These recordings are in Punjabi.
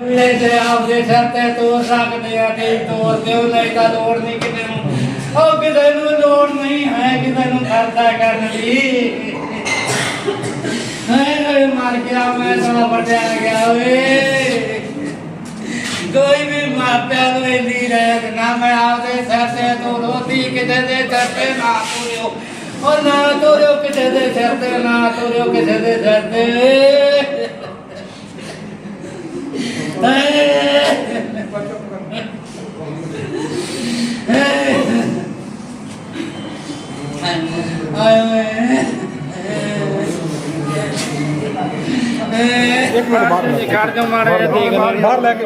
ਆਪਦੇ ਸਿਰ ਤੇ ਤੋਰ ਸਕਦੇ ਆ ਕਿ ਤੋਰ ਦਿਓ ਨਹੀਂ ਤਾਂ ਲੋੜ ਨਹੀਂ ਕਿਸੇ ਨੂੰ ਉਹ ਕਿਸੇ ਨੂੰ ਲੋੜ ਨਹੀਂ ਹੈ ਕਿਸੇ ਨੂੰ ਖਰਚਾ ਕਰਨ ਦੀ ਹਾਏ ਮਰ ਗਿਆ ਮੈਂ ਤਾਂ ਵੱਡਿਆ ਗਿਆ ਓਏ ਕੋਈ ਵੀ ਮਾਪਿਆਂ ਨੂੰ ਇੰਨੀ ਰਹਿਤ ਨਾ ਮੈਂ ਆਪਦੇ ਸਿਰ ਤੇ ਤੋਰੋਤੀ ਕਿਸੇ ਦੇ ਸਿਰ ਤੇ ਨਾ ਤੋਰਿਓ ਉਹ ਨਾ ਤੋਰਿਓ ਕਿਸੇ ਦੇ ਸਿਰ ਤੇ ਨਾ ਤੋਰਿਓ ਕਿਸੇ ਦੇ ਸਿਰ ਤੇ एक मिनट बाहर लेके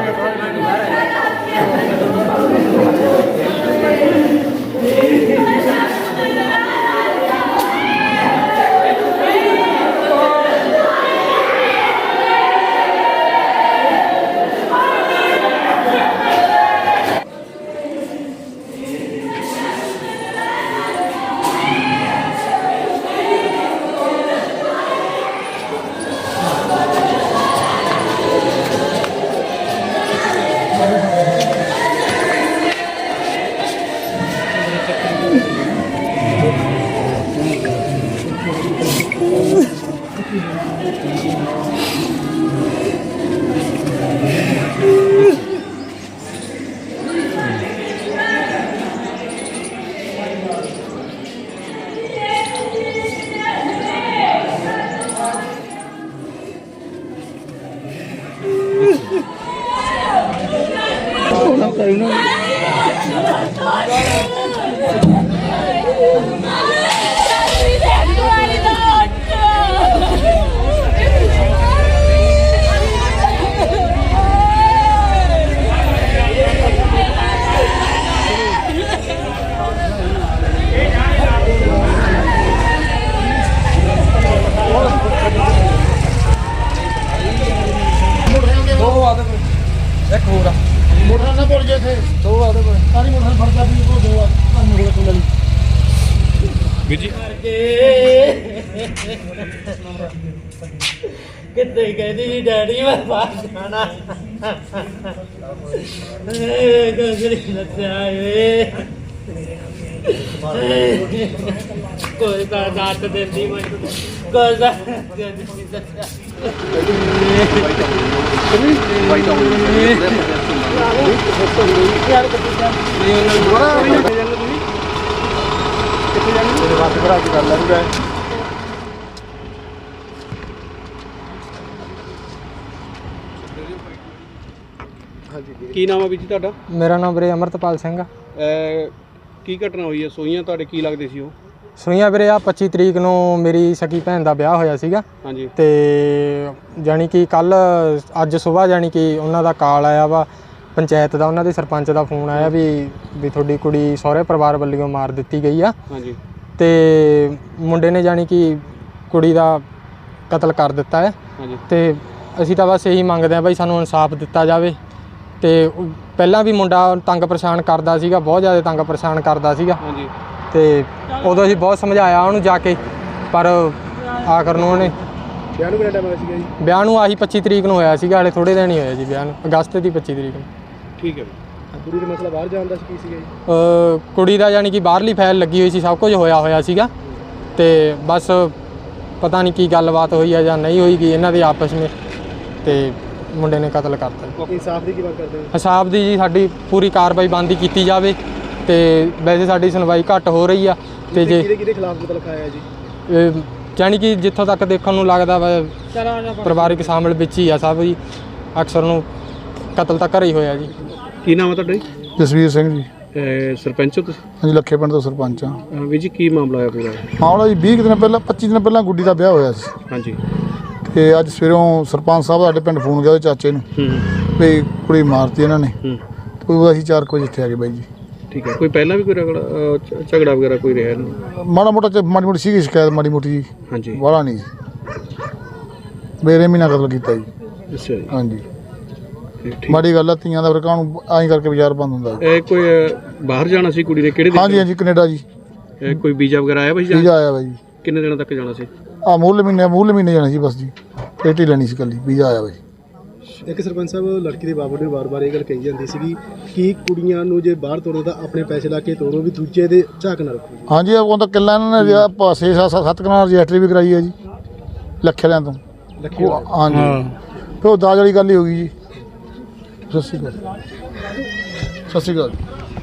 कितने कहती थी डैडी मैं बाहर जाना कोई का दात देती मैं कोई का ਕੀ ਨਾਮ ਆ ਵੀਰ ਜੀ ਤੁਹਾਡਾ? ਮੇਰਾ ਨਾਮ ਵੀਰੇ ਅਮਰਤਪਾਲ ਸਿੰਘ ਆ। ਕੀ ਘਟਨਾ ਹੋਈ ਹੈ? ਸੋਈਆਂ ਤੁਹਾਡੇ ਕੀ ਲੱਗਦੇ ਸੀ ਉਹ? ਸੋਈਆਂ ਵੀਰੇ ਆ 25 ਤਰੀਕ ਨੂੰ ਮੇਰੀ ਸਕੀ ਭੈਣ ਦਾ ਵਿਆਹ ਹੋਇਆ ਸੀਗਾ। ਹਾਂਜੀ। ਤੇ ਜਾਣੀ ਕਿ ਕੱਲ ਅੱਜ ਸਵੇਰ ਜਾਣੀ ਕਿ ਉਹਨਾਂ ਦਾ ਕਾਲ ਆਇਆ ਵਾ ਪੰਚਾਇਤ ਦਾ, ਉਹਨਾਂ ਦੇ ਸਰਪੰਚ ਦਾ ਫੋਨ ਆਇਆ ਵੀ ਤੁਹਾਡੀ ਕੁੜੀ ਸਹੁਰੇ ਪਰਿਵਾਰ ਵੱਲੋਂ ਮਾਰ ਦਿੱਤੀ ਗਈ ਆ। ਹਾਂਜੀ। ਤੇ ਮੁੰਡੇ ਨੇ ਜਾਣੀ ਕਿ ਕੁੜੀ ਦਾ ਕਤਲ ਕਰ ਦਿੱਤਾ ਹੈ। ਹਾਂਜੀ। ਤੇ ਅਸੀਂ ਤਾਂ ਬਸ ਇਹੀ ਮੰਗਦੇ ਹਾਂ ਬਾਈ ਸਾਨੂੰ ਇਨਸਾਫ ਦਿੱਤਾ ਜਾਵੇ। ਤੇ ਪਹਿਲਾਂ ਵੀ ਮੁੰਡਾ ਤੰਗ ਪਰੇਸ਼ਾਨ ਕਰਦਾ ਸੀਗਾ, ਬਹੁਤ ਜ਼ਿਆਦਾ ਤੰਗ ਪਰੇਸ਼ਾਨ ਕਰਦਾ ਸੀਗਾ। ਹਾਂਜੀ। ਤੇ ਉਦੋਂ ਅਸੀਂ ਬਹੁਤ ਸਮਝਾਇਆ ਉਹਨੂੰ ਜਾ ਕੇ, ਪਰ ਆਖਰ ਨੂੰ ਉਹਨੇ ਵਿਆਹ ਨੂੰ ਕਿੰਨਾ ਟਾਈਮ ਹੋਇਆ ਸੀਗਾ ਜੀ? ਵਿਆਹ ਨੂੰ ਆਹੀ 25 ਤਰੀਕ ਨੂੰ ਹੋਇਆ ਸੀਗਾ, ਹਾਲੇ ਥੋੜ੍ਹੇ ਦਿਨ ਹੀ ਹੋਇਆ ਜੀ ਵਿਆਹ ਨੂੰ, ਅਗਸਤ ਦੀ 25 ਤਰੀਕ ਨੂੰ। ਠੀਕ ਹੈ। ਕੁੜੀ ਦਾ ਮਸਲਾ ਬਾਹਰ ਜਾਣ ਦਾ ਕੀ ਸੀਗਾ ਜੀ? ਕੁੜੀ ਦਾ ਯਾਨੀ ਕਿ ਬਾਹਰਲੀ ਫਾਈਲ ਲੱਗੀ ਹੋਈ ਸੀ, ਸਭ ਕੁਝ ਹੋਇਆ ਸੀਗਾ। ਤੇ ਬਸ ਪਤਾ ਨਹੀਂ ਕੀ ਗੱਲਬਾਤ ਹੋਈ ਹੈ ਜਾਂ ਨਹੀਂ ਹੋਈਗੀ ਇਹਨਾਂ ਦੇ ਆਪਸ ਵਿੱਚ, ਤੇ ਮੁੰਡੇ ਨੇ ਕਤਲ ਕਰਤਾ। ਇਨਸਾਫ ਦੀ ਕੀ ਮੰਗ ਕਰਦੇ ਹੋ? ਹਿਸਾਬ ਦੀ ਜੀ ਸਾਡੀ ਪੂਰੀ ਕਾਰਵਾਈ ਬੰਦੀ ਕੀਤੀ ਜਾਵੇ। ਤੇ ਵੈਸੇ ਸਾਡੀ ਸੁਣਵਾਈ ਘੱਟ ਹੋ ਰਹੀ ਆ। ਤੇ ਜੇ ਕਿਹਦੇ ਖਿਲਾਫ ਕਤਲ ਖਾਇਆ ਜੀ? ਜਾਣੀ ਕਿ ਜਿੱਥੋਂ ਤੱਕ ਦੇਖਣ ਨੂੰ ਲੱਗਦਾ ਵਾ ਪਰਿਵਾਰਿਕ ਸ਼ਾਮਲ ਵਿੱਚ ਹੀ ਆ ਸਭ ਜੀ, ਅਕਸਰ ਨੂੰ ਕਤਲ ਤਾਂ ਘਰੇ ਹੀ ਹੋਇਆ ਜੀ। ਕੀ ਨਾਮ ਹੈ ਤੁਹਾਡਾ ਜੀ? ਜਸਵੀਰ ਸਿੰਘ ਜੀ। ਸਰਪੰਚ ਹੋ ਤੁਸੀਂ? ਹਾਂਜੀ, ਲੱਖੇ ਪਿੰਡ ਤੋਂ ਸਰਪੰਚ ਹਾਂ। ਵੀਰ ਜੀ ਕੀ ਮਾਮਲਾ ਹੋਇਆ ਪੂਰਾ? ਮਾਮਲਾ ਜੀ 20 ਦਿਨ ਪਹਿਲਾਂ 25 ਦਿਨ ਪਹਿਲਾਂ ਗੁੱਡੀ ਦਾ ਵਿਆਹ ਹੋਇਆ ਸੀ। ਹਾਂਜੀ। ਤੇ ਅੱਜ ਸਵੇਰੋਂ ਸਰਪੰਚ ਸਾਹਿਬ ਸਾਡੇ ਪਿੰਡ ਫੋਨ ਗਿਆ ਉਹਦੇ ਚਾਚੇ ਨੂੰ ਵੀ ਕੁੜੀ ਮਾਰਤੀ ਇਹਨਾਂ ਨੇ। ਤੇ ਉਹ ਅਸੀਂ 4 ਵਜੇ ਇੱਥੇ ਆ ਗਏ ਬਾਈ ਜੀ। ਠੀਕ ਹੈ। ਕੋਈ ਪਹਿਲਾਂ ਵੀ ਕੋਈ ਝਗੜਾ ਵਗੈਰਾ ਕੋਈ ਰਿਹਾ ਨਹੀਂ? ਮਾੜਾ ਮੋਟਾ ਮਾੜੀ ਮੋਟੀ ਸੀਗੀ ਸ਼ਿਕਾਇਤ, ਮਾੜੀ ਮੋਟੀ ਜੀ। ਹਾਂਜੀ। ਵਾਲਾ ਨਹੀਂ ਜੀ, ਮੇਰੇ ਮਹੀਨਾ ਕਤਲ ਕੀਤਾ ਜੀ। ਅੱਛਾ ਜੀ। ਹਾਂਜੀ। ਮਾੜੀ ਗੱਲ ਆ, ਧੀਆਂ ਦਾ ਫਿਰ ਕਾਹਨੂੰ ਐਂ ਕਰਕੇ ਬਾਜ਼ਾਰ ਬੰਦ ਹੁੰਦਾ। ਇਹ ਕੋਈ ਬਾਹਰ ਜਾਣਾ ਸੀ ਕੁੜੀ ਨੇ? ਕਿਹੜੇ ਦਿਨ? ਹਾਂਜੀ ਹਾਂਜੀ, ਕੈਨੇਡਾ ਜੀ। ਕੋਈ ਵੀਜ਼ਾ ਵਗੈਰਾ ਆਇਆ ਭਾਈ? ਵੀਜ਼ਾ ਆਇਆ ਬਾਈ ਜੀ। ਕਿੰਨੇ ਦਿਨਾਂ ਤੱਕ ਜਾਣਾ ਸੀ? ਮੂਲ ਮਹੀਨੇ ਜਾਣਾ ਸੀ ਬਸ ਜੀ, ਪੇਟੀ ਲੈਣੀ ਸੀ ਕੱਲੀ, ਵੀਜ਼ਾ ਆਇਆ ਬਾਈ। ਇੱਕ ਸਰਪੰਚ ਸਾਹਿਬ ਲੜਕੀ ਦੇ ਬਾਬੂ ਨੇ ਵਾਰ-ਵਾਰ ਇਹ ਗੱਲ ਕਹੀ ਜਾਂਦੀ ਸੀਗੀ ਕਿ ਕੁੜੀਆਂ ਨੂੰ ਜੇ ਬਾਹਰ ਤੋਰੋ ਤਾਂ ਆਪਣੇ ਪੈਸੇ ਲਾ ਕੇ ਤੋਰੋ, ਵੀ ਦੂਜੇ ਦੇ ਝਾਕ ਨਾ ਰੱਖੋ। ਹਾਂਜੀ ਉਹ ਤਾਂ ਕਿੱਲਾ ਇਹਨਾਂ ਨੇ ਪਾਸੇ 7 ਕਨਾਲ ਰਜਿਸਟਰੀ ਵੀ ਕਰਾਈ ਹੈ ਜੀ ਲੱਖੇ ਵਾਲਿਆਂ ਤੋਂ। ਲੱਖੀ ਹਾਂਜੀ ਫਿਰ ਉਹ ਦਾਜ ਵਾਲੀ ਗੱਲ ਹੀ ਹੋ ਗਈ ਜੀ। ਸਤਿ ਸ਼੍ਰੀ ਅਕਾਲ। ਸਤਿ ਸ਼੍ਰੀ ਅਕਾਲ।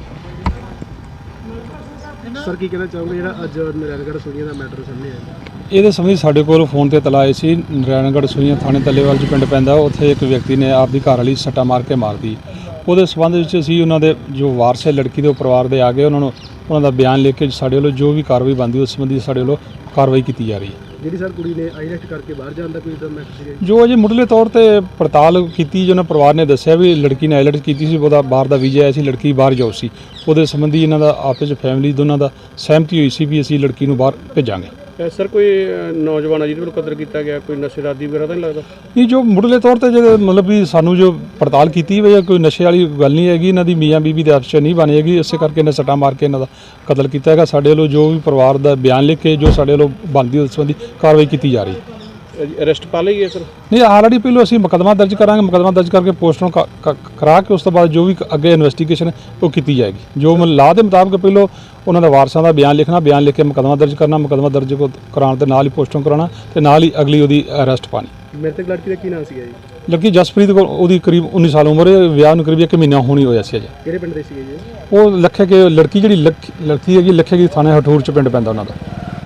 ਸਰ ਕੀ ਕਹਿਣਾ ਚਾਹੋਗੇ ਜਿਹੜਾ ਅੱਜ ਨਰੈਣਗੜ੍ਹ ਸੋਨੀਆ ਦਾ ਮੈਟਰ ਸਾਹਮਣੇ ਆਇਆ? ਇਹਦੇ ਸੰਬੰਧੀ ਸਾਡੇ ਕੋਲ ਫੋਨ ਤੇ ਇਤਲਾਹ ਆਈ ਸੀ। ਨਰੈਣਗੜ੍ਹ ਸੂਈਆਂ ਥਾਣੇ ਤੱਲੇਵਾਲ 'ਚ ਪਿੰਡ ਪੈਂਦਾ, ਉੱਥੇ ਇੱਕ ਵਿਅਕਤੀ ਨੇ ਆਪਦੀ ਘਰ ਵਾਲੀ ਸੱਟਾ ਮਾਰ ਕੇ ਮਾਰਤੀ। ਉਹਦੇ ਸੰਬੰਧ ਵਿੱਚ ਅਸੀਂ ਉਹਨਾਂ ਦੇ ਜੋ ਵਾਰਸ ਹੈ ਲੜਕੀ ਦੇ ਉਹ ਪਰਿਵਾਰ ਦੇ ਆ ਗਏ, ਉਹਨਾਂ ਦਾ ਬਿਆਨ ਲਿਖ ਕੇ ਸਾਡੇ ਵੱਲੋਂ ਜੋ ਵੀ ਕਾਰਵਾਈ ਬਣਦੀ ਉਸ ਸੰਬੰਧੀ ਸਾਡੇ ਵੱਲੋਂ ਕਾਰਵਾਈ ਕੀਤੀ ਜਾ ਰਹੀ ਹੈ। ਜਿਹੜੀ ਸਰ ਕੁੜੀ ਨੇ ਆਈਲੈਟ ਕਰਕੇ ਬਾਹਰ ਜਾਣ ਦਾ ਕੋਈ ਤਾਂ ਮੈਟਰ ਸੀਗਾ ਜੀ? ਜੋ ਅਜੇ ਮੁੱਢਲੇ ਤੌਰ ਤੇ ਪੜਤਾਲ ਕੀਤੀ, ਜੋ ਉਹਨਾਂ ਪਰਿਵਾਰ ਨੇ ਦੱਸਿਆ ਵੀ ਲੜਕੀ ਨੇ ਆਈਲੈਟ ਕੀਤੀ ਸੀ, ਉਹਦਾ ਬਾਹਰ ਦਾ ਵੀਜ਼ਾ ਆਇਆ ਸੀ, ਲੜਕੀ ਬਾਹਰ ਜਾਊ ਸੀ। ਉਹਦੇ ਸੰਬੰਧੀ ਇਹਨਾਂ ਦਾ ਆਪਸ ਵਿੱਚ ਫੈਮਿਲੀ ਦੋਨਾਂ ਦਾ ਸਹਿਮਤੀ ਹੋਈ ਸੀ ਵੀ ਅਸੀਂ ਲੜਕੀ ਨੂੰ ਬਾਹਰ ਭੇਜਾਂਗੇ। ਸਰ ਕੋਈ ਨੌਜਵਾਨ ਆ ਜਿਹਦੇ ਵੱਲੋਂ ਕਤਲ ਕੀਤਾ ਗਿਆ, ਕੋਈ ਨਸ਼ੇ ਦਾ ਆਦੀ ਵਗੈਰਾ ਤਾਂ ਨਹੀਂ ਲੱਗਦਾ? ਇਹ ਜੋ ਮੁੱਢਲੇ ਤੌਰ ਤੇ ਜਿਹੜੇ ਮਤਲਬ ਵੀ ਸਾਨੂੰ ਜੋ ਪੜਤਾਲ ਕੀਤੀ ਵੀ ਕੋਈ ਨਸ਼ੇ ਵਾਲੀ ਗੱਲ ਨਹੀਂ ਹੈਗੀ, ਇਹਨਾਂ ਦੀ ਮੀਆਂ ਬੀਬੀ ਦੇ ਆਪਸ 'ਚ ਨਹੀਂ ਬਣੀ ਹੈਗੀ, ਇਸੇ ਕਰਕੇ ਇਹਨੇ ਸੱਟਾਂ ਮਾਰ ਕੇ ਇਹਨਾਂ ਦਾ ਕਤਲ ਕੀਤਾ ਹੈਗਾ। ਸਾਡੇ ਵੱਲੋਂ ਜੋ ਵੀ ਪਰਿਵਾਰ ਦਾ ਬਿਆਨ ਲਿਖ ਕੇ ਜੋ ਸਾਡੇ ਵੱਲੋਂ ਬਣਦੀ ਉਸ ਸੰਬੰਧੀ ਕਾਰਵਾਈ ਕੀਤੀ ਜਾ ਰਹੀ ਹੈ। ਅਰੈਸਟ ਪਾ ਲਈ ਹੈ ਸਰ? ਨਹੀਂ, ਆਲਰੇਡੀ ਪਹਿਲਾਂ ਅਸੀਂ ਮੁਕੱਦਮਾ ਦਰਜ ਕਰਾਂਗੇ, ਮੁਕੱਦਮਾ ਦਰਜ ਕਰਕੇ ਪੋਸਟਮਾਰਟਮ ਕਰਾ ਕੇ ਉਸ ਤੋਂ ਬਾਅਦ ਜੋ ਵੀ ਅੱਗੇ ਇਨਵੈਸਟੀਗੇਸ਼ਨ ਉਹ ਕੀਤੀ ਜਾਏਗੀ। ਜੋ ਲਾਅ ਦੇ ਮੁਤਾਬਕ ਪਹਿਲਾਂ ਉਹਨਾਂ ਦੇ ਵਾਰਸਾਂ ਦਾ ਬਿਆਨ ਲਿਖਣਾ, ਬਿਆਨ ਲਿਖ ਕੇ ਮੁਕੱਦਮਾ ਦਰਜ ਕਰਨਾ, ਮੁਕੱਦਮਾ ਦਰਜ ਕਰਾਉਣ ਦੇ ਨਾਲ ਹੀ ਪੋਸਟਮਾਰਟਮ ਕਰਾਉਣਾ ਤੇ ਨਾਲ ਹੀ ਅਗਲੀ ਉਹਦੀ ਅਰੈਸਟ ਪਾਣੀ। ਮ੍ਰਿਤਕ ਲੜਕੀ ਦਾ ਕੀ ਨਾਮ ਸੀਗਾ ਜੀ? ਲੜਕੀ ਜਸਪ੍ਰੀਤ ਕੋਲ, ਉਹਦੀ ਕਰੀਬ 19 ਸਾਲ ਉਮਰ ਹੈ, ਵਿਆਹ ਨੂੰ ਕਰੀਬ 1 ਮਹੀਨਾ ਹੋਣੀ ਹੋਇਆ ਸੀ ਅਜੇ। ਕਿਹੜੇ ਪਿੰਡ ਦੇ ਸੀਗੇ ਜੀ? ਉਹ ਲੱਖੇ ਕੇ ਲੜਕੀ ਜਿਹੜੀ ਲੜਕੀ ਹੈਗੀ ਲੱਖੇ ਕੀ ਥਾਣੇ ਹਠੂਰ 'ਚ ਪਿੰਡ ਪੈਂਦਾ ਉਹਨਾਂ ਦਾ।